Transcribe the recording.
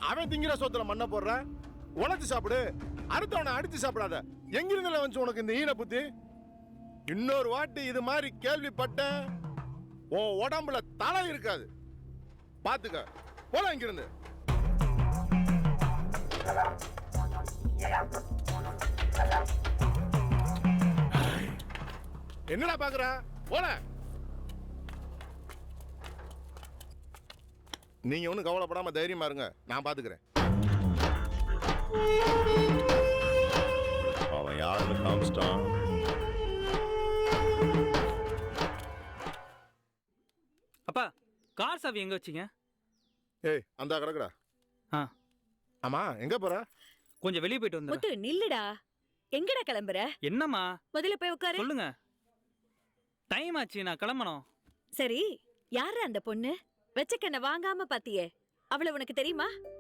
அவன் திங்கிற சோத்துல மண்ணை போடுற. உழைச்சு சாப்பிடு, அடுத்தவனை அடிச்சு சாப்பிடாத. எங்கிருந்துல வந்து உனக்கு இந்த ஈன புத்தி? இன்னொரு வாட்டி இது மாதிரி கேள்விப்பட்ட உன் உடம்புல தலை இருக்காது. பாத்துக்க, போல இங்கிருந்து. என்னடா பாக்குற? போல. நீங்க ஒன்றும் கவலைப்படாம தைரியமா இருங்க, நான் பாத்துக்கிறேன். அவன் யாருன்னு காமிச்சிட்டான். அப்பா, கார் சாவி எங்க வச்சீங்க? ஏய், அந்த கிடக்குடா. ஆ, ஆமா, எங்க போற? கொஞ்சம் வெளியே போயிட்டு வந்து. முத்து நில்லுடா. எங்கடா கிளம்புற? என்னம்மா? முதல்ல போய் உட்காரு. சொல்லுங்க. டைம் ஆச்சு, நான் கிளம்பணும். சரி, யாரு அந்த பொண்ணு? வெச்சக்கண்ண வாங்காம பாத்தியே, அவளை உனக்கு தெரியுமா?